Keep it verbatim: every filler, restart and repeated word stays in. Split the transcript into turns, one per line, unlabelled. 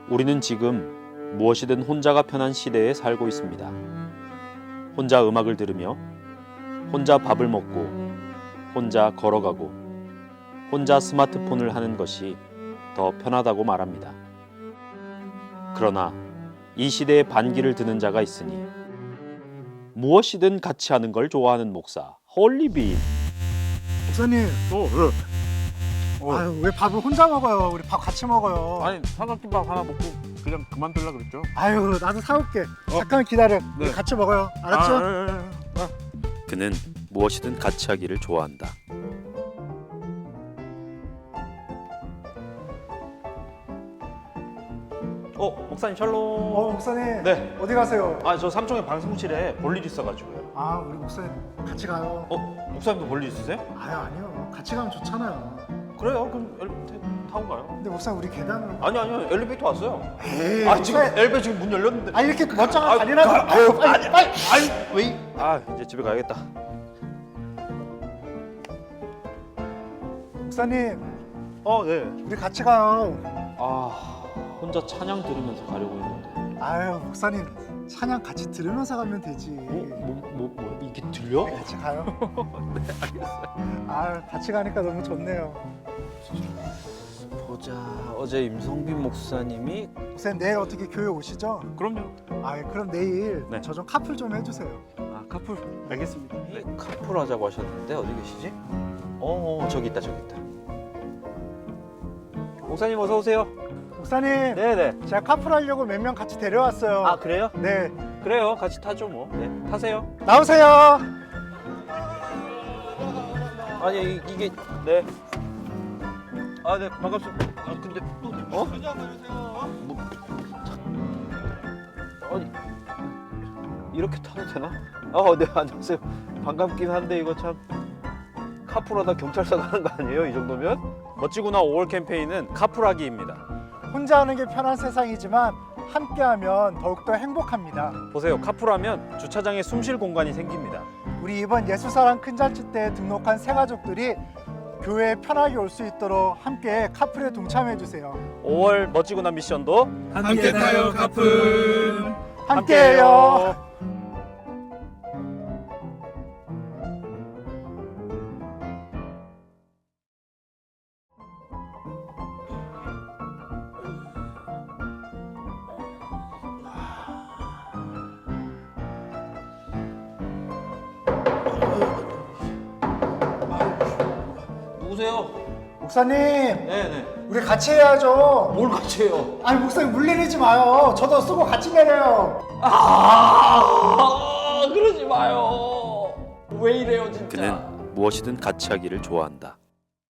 우리는 지금 무엇이든 혼자가 편한 시대에 살고 있습니다. 혼자 음악을 들으며, 혼자 밥을 먹고, 혼자 걸어가고, 혼자 스마트폰을 하는 것이 더 편하다고 말합니다. 그러나 이 시대에 반기를 드는 자가 있으니 무엇이든 같이 하는 걸 좋아하는 목사 홀리빈.
목사님,
어, 왜? 어.
아유 왜 밥을 혼자 먹어요? 우리 밥 같이 먹어요.
아니 삼각김밥 하나 먹고 그냥 그만둘라 그랬죠.
아유 나도 사올게. 잠깐 기다려. 우리
네.
같이 먹어요. 알았죠?
아, 예, 예, 예. 아.
그는 무엇이든 같이 하기를 좋아한다. 어, 목사님 샬롬.
어 목사님.
네.
어디 가세요?
아, 저 삼청의 방송실에 볼일 있어가지고요.
아 우리 목사님 같이 가요.
어, 목사님도 볼일 있으세요?
아유 아니요. 같이 가면 좋잖아요.
그래요. 그럼 엘리베이터 타고 가요.
근데 목사님 우리 계단으로.
아니 아니요, 엘리베이터 왔어요.
에이,
아, 지금
목사님.
엘리베이터 지금 문 열렸는데.
아 이렇게 멀쩡한
아,
다리라도.
가-
아유 빨리 빨리.
아니 왜? 아, 이제 집에 가야겠다.
목사님
어, 네.
우리 같이 가요.
아, 혼자 찬양 들으면서 가려고 했는데.
아유 목사님 찬양 같이 들으면서 가면 되지.
뭐, 뭐, 뭐, 이게 들려?
우리 같이 가요. 네 알겠어요. 아유 같이 가니까 너무 좋네요.
보자. 어제 임성빈 목사님이
목사님 내일 어떻게 교회 오시죠?
그럼요.
아 그럼 내일
네.
저 좀 카풀 좀 해주세요.
아, 카풀. 알겠습니다.
네, 카풀 하자고 하셨는데 어디 계시지? 어, 어, 저기 있다, 저기 있다. 목사님 어서 오세요.
목사님
네네.
제가 카풀 하려고 몇 명 같이 데려왔어요.
아, 그래요?
네
그래요. 같이 타죠 뭐. 네, 타세요.
나오세요.
아니 이, 이게 네. 아, 네, 반갑습니다. 아, 근데 어? 뭐, 아니 이렇게 타도 되나? 아, 네, 안녕하세요. 반갑긴 한데 이거 참 카풀하다 경찰서 가는 거 아니에요? 이 정도면? 멋지구나 오월 캠페인은 카풀하기입니다.
혼자 하는 게 편한 세상이지만 함께하면 더욱더 행복합니다.
보세요. 카풀하면 주차장에 숨쉴 공간이 생깁니다.
우리 이번 예수사랑 큰 잔치 때 등록한 새 가족들이 교회에 편하게 올 수 있도록 함께 카풀에 동참해 주세요.
오월 멋지구나 미션도
함께 타요, 카풀.
함께해요.
누구세요?
목사님
네네.
우리 같이 해야죠.
뭘 같이 해요?
아니 목사님 물 내리지 마요. 저도 쓰고 같이 내려요.
아, 그러지 마요. 왜 이래요, 진짜? 그는 무엇이든 같이 하기를 좋아한다.